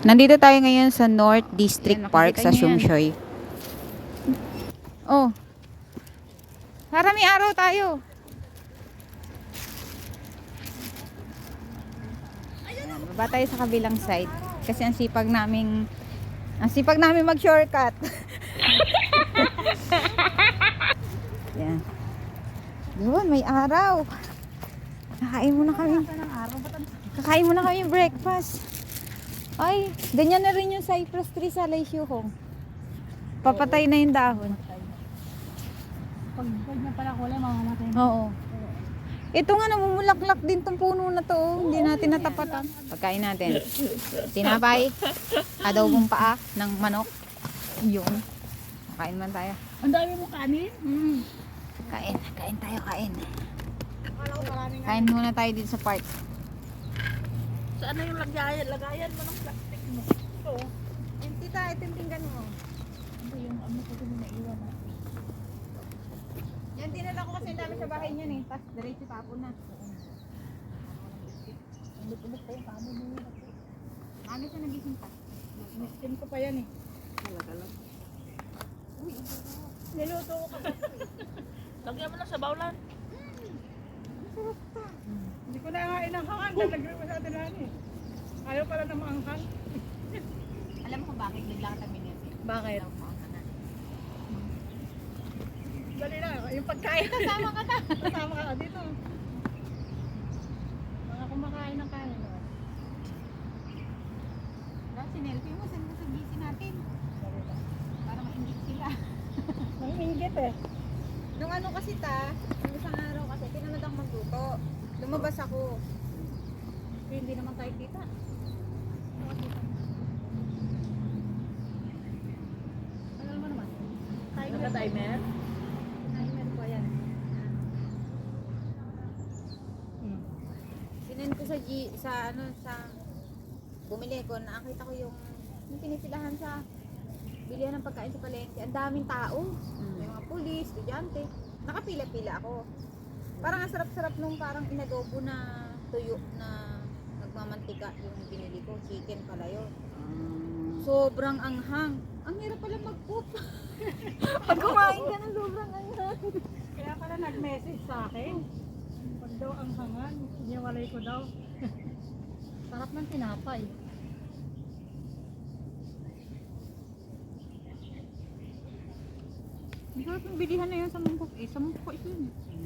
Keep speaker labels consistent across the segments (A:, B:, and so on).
A: Nandito tayo ngayon sa North District
B: Ayan,
A: Park
B: makikita
A: sa
B: niyo yan.
A: Shumshoy. Oh. Para may araw tayo. Ayan, baba tayo sa kabilang side. Kasi ang sipag naming mag-shortcut. Yan. Yun, may araw. Kakain muna kami. Kakain muna kami breakfast. Ay, ganyan na rin yung cypress tree sa Laysyuhong. Papatay na yung dahon.
B: Pag niya pala kulay, mamamatay na.
A: Oo. Ito nga, namumulaklak din tong puno na to. Oh. Hindi natin natapatan. Pagkain natin. Tinapay. Adobong paa ng manok. Yun. Kain man tayo.
B: Ang dami mo kanin?
A: Kain tayo, kain.
B: Akala ko maraming
A: Kain muna tayo dito sa park.
B: Saan na yung lagayan mo ng plastic mo? Ito.
A: Yung tita, itong tinggan mo.
B: Ito yung ano ko din naiwan na.
A: Yan, dinala ko kasi dami sa bahay niyan eh. Tapos diretso tapon na.
B: Ulit-ulit pa yung kanin mo.
A: Ano siya nagising pa?
B: Miskin ko pa yan eh. Talaga lang. Uy, niluto ko pa. Lagyan mo lang sa bawlan.
C: Hindi ko na nga inanghangan, nalagyan ko sa atin lang eh. Ayaw pala na maanghang.
A: Alam mo kung bakit bigla ka taminit?
B: Bakit?
C: Dali na, yung pagkain.
A: Kasama ka na.
C: Kasama ka dito. Mga kumakain ng kanin. Oh.
A: Dapat sinelfie mo, send mo sa GC natin. Para ma-ingit sila.
C: Nanginggit eh.
A: Nung ano kasi nung isang araw kasi, tinamad akong magluto. Lumabas ako.
B: Hindi naman tayo kita.
C: Ano naman?
B: Naka-timer?
A: Timer ko yan. Sinend ko sa bumili ko, nakita ko yung pinipilahan sa bilihan ng pagkain sa palengke. Ang daming tao. May mga pulis, estudyante. Nakapila-pila ako. Parang ang sarap-sarap nung parang inadobo na tuyo na nagmamantika yung binili ko. Chicken pala yun. Sobrang anghang. Ang hirap pala mag-cook. Pag kumain ka ng sobrang anghang.
C: Kaya pala nag-message sa akin. Pag daw ang hangan, iniwalay ko daw.
B: Sarap ng tinapay.
A: Ang sarap ng bilihan na yun sa mangkok eh. Sa mangkok ito yun.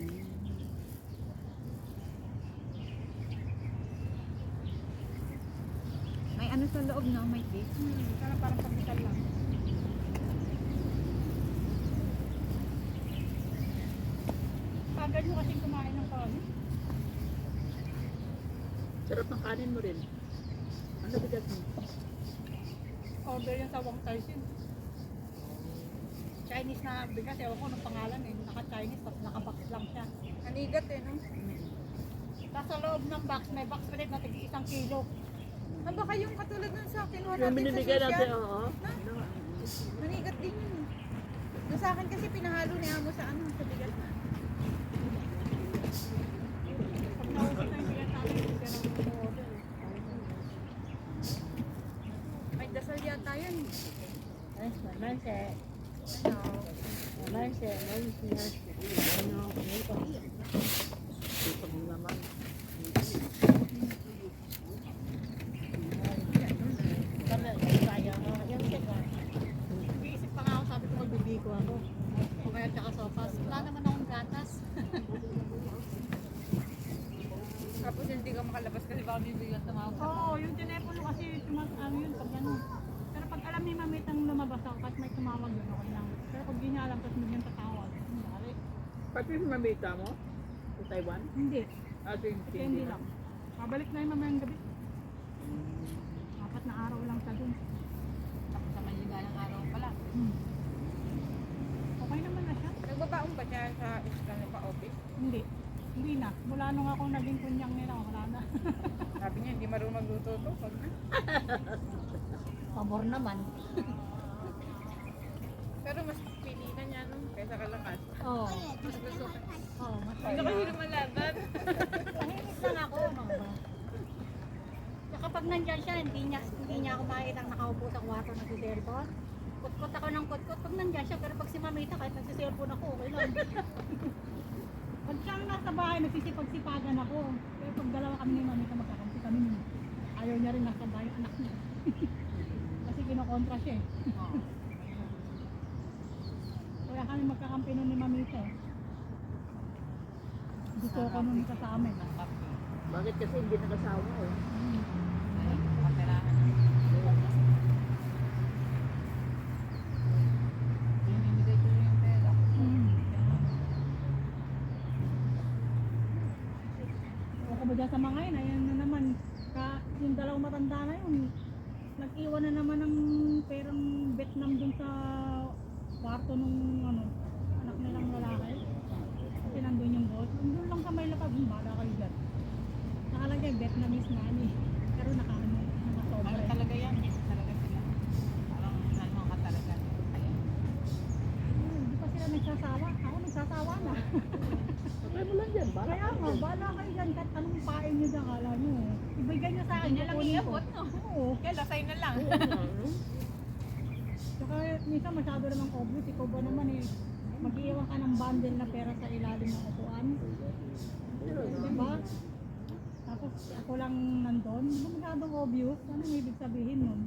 A: May ano sa loob na, may cake.
C: Sana parang pagkikal lang. Agad mo kasing kumain ng kanin.
B: Sarap ng kanin mo rin. Ano bigat mo?
C: Order yan sa Wang Taisin. Chinese na bigas, ewan ko ng pangalan eh. Naka-Chinese, tapos naka-box lang siya.
A: Anigat eh, no?
C: Tapos sa loob ng box, may box ulit na tig 1 kilo.
A: Ah, baka yung katulad nun sa kinuha
B: Yung
A: natin sa
B: binibigyan natin,
A: social.
B: oo.
A: Manigat din yun. Doon sa akin kasi pinahalo ni Amo sa sa bigas na.
C: Pag naubos na yung bigas natin, hindi ka nang order.
A: May dasal yata yun.
B: Manse.
A: Ano?
B: Manse. Ano? Ito naman.
C: Nag-iisip pa nga ako, sabi ko magbibiko ako. O kaya tsaka sopas. Wala naman akong gatas.
A: Tapos hindi ka makalabas kasi baka bibigyan tumawag sa
C: Oo, yung telepono kasi ano yun pag gano'n. Pero pag alam ni mamit ang lumabas ako, kahit may tumawag yun, okay lang. Pero pag di niya alam, tapos bigyan tatawag. Bari.
B: Pati yung mamita mo? Sa Taiwan?
C: Hindi.
B: Ito yung
C: Kasi hindi lang. Mabalik na yung mamayang gabi. 4 na araw lang sa dun.
A: Tapos sa maligayang araw pala.
C: Okay naman na siya.
A: Nagbabaon ba siya sa iskal pa office?
C: Hindi. Hindi na. Mula nung ako naging kunyang nila, wala na.
A: Sabi niya, hindi marunong magluto to. Pag
B: Pabor naman.
A: pero mas pili na niya no, kaysa kalakas.
C: Oo. Mas gusto ko. Oo, mas
A: Hindi kasi lumalaban.
C: tahimik lang ako. Saka pag nandyan siya, hindi niya ako makikita sa kwarto nagsiselfon. Kutkot ako ng kutkot. Pag nandiyan siya, pero pag si Mamita, kahit nagsiselfon ako, okay lang. Pag siyang nasa bahay, nagsisipag-sipagan ako. Pero pag dalawa kami ni Mamita, magkakampi kami. Ayaw niya rin nasa bahay anak niya. Kasi kinokontra siya eh. Kaya kami magkakampi nun ni Mamita eh. Gusto ko nun kasama eh.
B: Bakit kasi hindi nakasawa eh?
C: Ako ba dyan sa mga yun, ayan na naman, yung dalawang matanda na yun, nag-iwan na naman ng perang Vietnam dun sa kwarto nung anak nilang lalaki. Kasi nandun yung boss, nandun lang sa may lapag, bala kayo dyan. Nakalagay Vietnamese money, pero nakasobre.
A: Talaga yan, talaga sila. Parang ano ka talaga.
C: Hindi pa sila nagsasawa, ako nagsasawa na.
B: Patay mo lang dyan, bala.
C: Kaya nga, bala kayo dyan, kahit anong pain nyo dyan, kala nyo. Ibigay nyo sa akin,
A: Hindi na lang
C: kukunin ko.
A: iabot, no?
C: Oo.
A: Kaya lasay na lang.
C: Tsaka minsan masyado namang obvious, ikaw ba naman eh, mag-iwan ka ng bundle na pera sa ilalim ng upuan. Diba? Tapos ako lang nandun, di ba masyadong obvious? Ano yung ibig sabihin nun?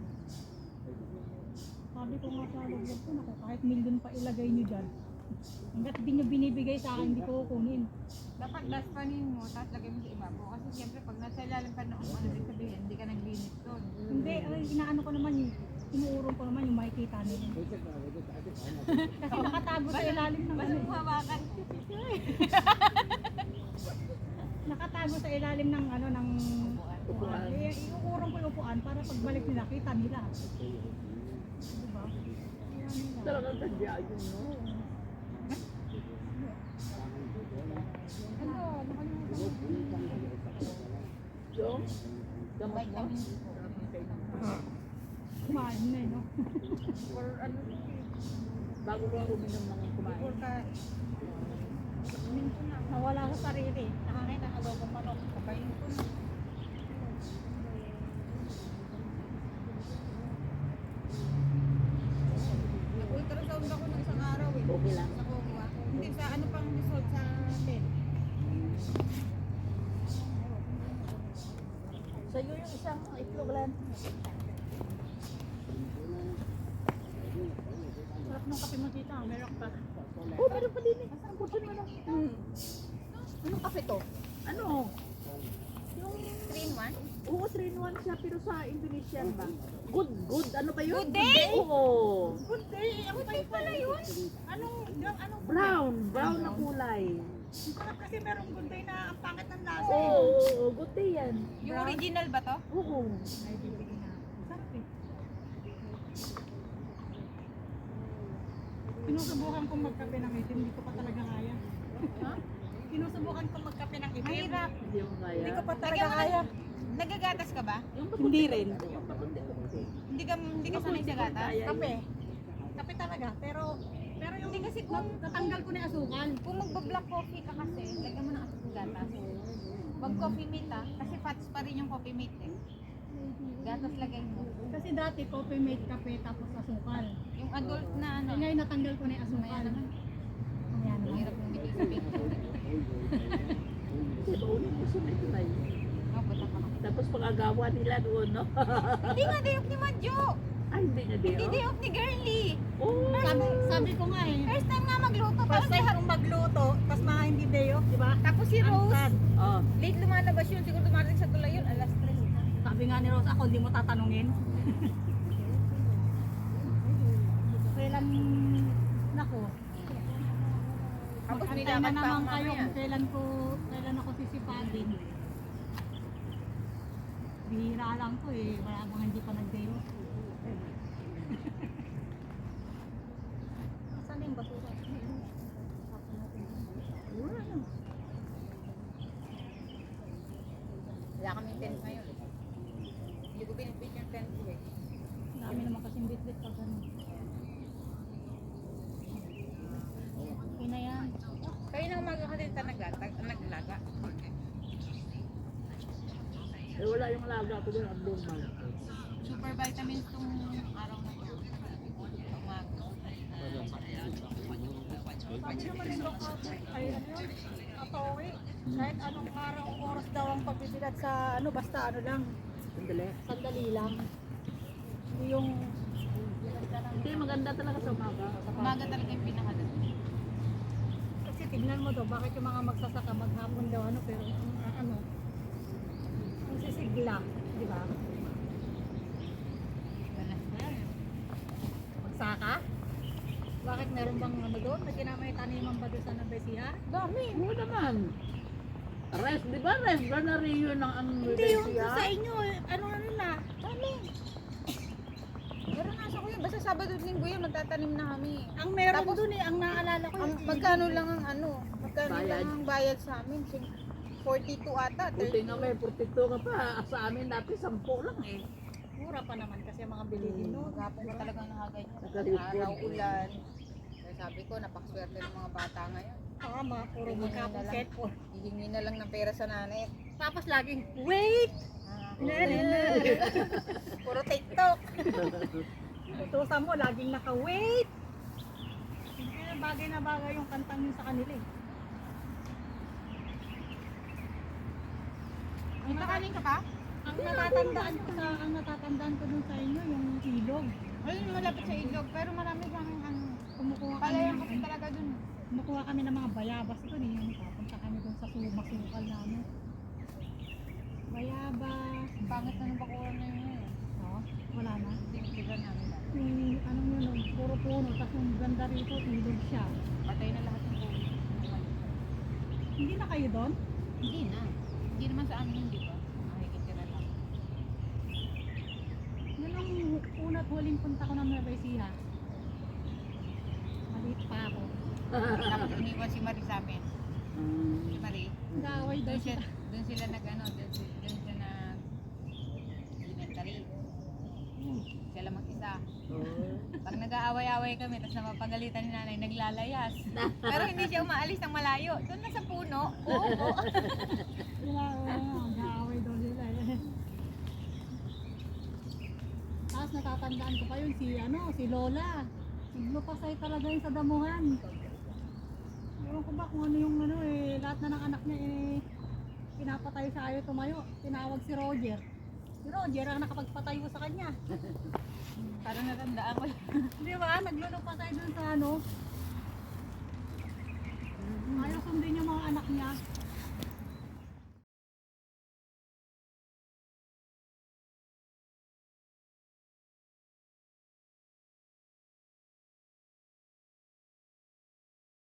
C: Sabi ko nga sa loob ko, naku, kahit million pa ilagay nyo dyan. Hanggat di nyo binibigay sa akin, hindi ko kukunin.
A: Dapat last panin mo, tapos lagay mo sa ibabaw. Kasi siyempre pag nasa ilalim ka noong ano din sabihin, hindi ka nag-limit doon.
C: Hindi, ay, inaano ko naman, inuurong ko naman yung makikita nila. Kasi nakatago sa ilalim ng
A: Basta mo hawakan.
C: nakatago sa ilalim ng ng upuan. Iuurong ko yung upuan para pagbalik nila, kita nila. Diba? Kaya nila.
B: Talagang sadya yun, no?
A: Ano?
B: Yung? Gamot mo?
C: Kumain na no?
A: Or ano?
B: Bago ko uminom ng kumain.
A: Or ka...
C: Nawala sa sarili. Nakakain na adobong manok.
A: Kapain ko na. Nag-ultrasound ako ng isang araw eh.
B: Okay lang.
A: Sa Kongwa. Hindi, sa ano pang result sa atin.
B: Sa'yo yung isang itlog lang.
C: Sarap ng kape mo tita. Meron pa.
B: Oh, meron pa din eh. Ang putin mo lang.
A: Anong kape to?
B: Ano? Yung
A: 3-in-1?
B: oo, 3-in-1 siya pero sa Indonesian ba? Good, ano ba yun?
A: Good day?
B: Oo.
C: Good day. Ako tayo pala yun. Anong
B: Brown na kulay.
C: sarap kasi merong good day na ang pangit ng lasa.
B: Oo, good day yan.
A: Yung original ba to?
B: Oo.
C: Ay, bibigyan na. Sarap eh. Sinusubukan kong magkape ng itim, hindi ko pa talaga kaya. Sinusubukan kong magkape ng itim.
A: Mahirap.
B: Hindi mo kaya.
C: Hindi ko pa talaga
A: Lagyan mo
C: kaya.
A: Nagagatas ka ba?
C: Hindi rin.
B: Yung pakunti-kunti.
A: Hindi ka sanay sa gatas?
C: Kape. Kape talaga. Pero yung
A: Hindi kasi kung
C: natanggal ko na yung asukal.
A: Kung magba-black coffee ka kasi, lagyan mo ng gatas. Wag coffee mate kasi fats pa rin yung coffee mate eh. Gatas lagay mo.
C: Kasi dati coffee mate kape tapos asukal.
A: Yung adult na ano,
C: Ngayon natanggal ko na yung
A: maya
C: asukal.
A: naman.
C: Ayan naman.
A: Hirap mong bitin sa picture.
B: Kasi baunin mo sa may tulay.
A: Mabuta pa ako.
B: Tapos pag-agawa nila doon, no?
A: Hindi nga day off ni Madjo.
B: Ay, hindi na din.
A: Hindi day off ni Girly.
B: Oh.
C: Sabi ko nga eh.
A: First time nga magluto.
C: First
A: Tapos
C: time akong magluto, tapos mga hindi day off, di ba?
A: Tapos si Rose,
B: Oh.
A: late lumalabas yun. Siguro dumarating sa tulay yun. Alas 3.
C: Sabi nga ni Rose, ako hindi mo tatanungin. Kailan, nako,
A: Tapos
C: mag-antay na
A: nilaban pa
C: naman
A: ako
C: kayo
A: mamaya.
C: kung kailan ako sisipagin. Bihira lang to eh, wala mga hindi pa nag-day off. Saan yung basura?
A: Wala kaming tent ngayon. Hindi ko pinipit yung tent ko eh.
C: Dami naman kasing bitbit pag ganun. Okay na yan.
A: Kayo na umaga ka din naglaga.
B: Eh, wala yung laga ko doon, abnormal.
A: Super vitamins tong
C: Sabi naman yung doktor, ay ano yun, atowe. Kahit anong araw o oras daw ang pagbibilat sa ano, basta ano lang,
B: Sandali.
C: sandali lang. Hindi yung bilat ka ng...
B: Hindi, maganda talaga sa umaga.
A: Umaga talaga yung pinakaganda.
C: Kasi tignan mo daw, bakit yung mga magsasaka maghapon daw ano, pero ano, ang sisigla, di ba? Magsaka? Bakit meron bang ano doon? May kinamay taniman ba doon sa Nabesiya?
B: Dami, mo naman. Rest, di ba? Rest ba na rin yun ang
C: Hindi yung sa inyo, ano na.
A: Dami. Pero nasa ko yun. Basta Sabado at Linggo yun, magtatanim na kami.
C: Ang meron
A: Tapos,
C: doon ang naalala ko
A: Ang,
C: yung
A: magkano lang ang ano? Magkano
B: Bayad.
A: lang ang bayad sa amin? 42 ata,
B: Buti
A: 30.
B: nga may 42 ka pa. Sa amin dati 10 lang eh.
C: mura pa naman kasi ang mga bilihin no.
A: Maghapon ko talagang nakaganyan.
B: Nagkalipod.
A: Araw, ulan. Kaya sabi ko, napakaswerte ng mga bata ngayon.
C: Tama, puro maghapon cellphone.
A: Hihingi na lang ng pera sa nanay.
C: Tapos laging, wait!
A: Puro TikTok.
C: Utusan mo, laging naka-wait! Kaya bagay na bagay yung kantang yun sa kanila eh.
A: May nakaling ka pa?
C: Ang natatandaan ko dun sa inyo, yung ilog.
A: Ayun, malapit sa ilog. Pero marami kang ano.
C: Kumukuha kami,
A: Palayan kasi talaga dun.
C: kumukuha kami ng mga bayabas dun eh. Yung papunta kami dun sa sumakukal namin. Bayabas.
A: Pangit na ng bakuran na yun.
C: Oh, wala na.
A: Tinitigan namin.
C: Yung ano yun, puro puno, tapos yung ganda rito, ilog siya.
A: Patay na lahat ng puno.
C: Hindi na kayo doon?
A: Hindi na. Hindi naman sa amin hindi ba? Makikitira lang.
C: Yun ang una't huling punta ko ng Nueva Ecija. Maliit pa ako.
A: Tapos iniwan si Marie sa amin. Si Marie.
C: Gaway daw
A: Doon
C: siya.
A: sila nag-ano, doon siya nag elementary. Siya lang mag-isa. Pag nag-aaway-aaway kami, tapos napapagalitan ni nanay, naglalayas. Pero hindi siya umaalis ng malayo. Doon na sa puno. Oo.
C: Gaway daw sila eh. Tapos natatandaan ko pa yun si Lola. Naglupasay talaga yun sa damuhan. Ewan ko ba kung ano yung ano eh, lahat na ng anak niya eh, pinapatay sa ayaw tumayo. Tinawag si Roger. Si Roger ang nakapagpatayo sa kanya.
A: Parang natandaan ko.
C: Di ba? Naglulupasay dun sa ano. Ayaw sundin yung mga anak niya.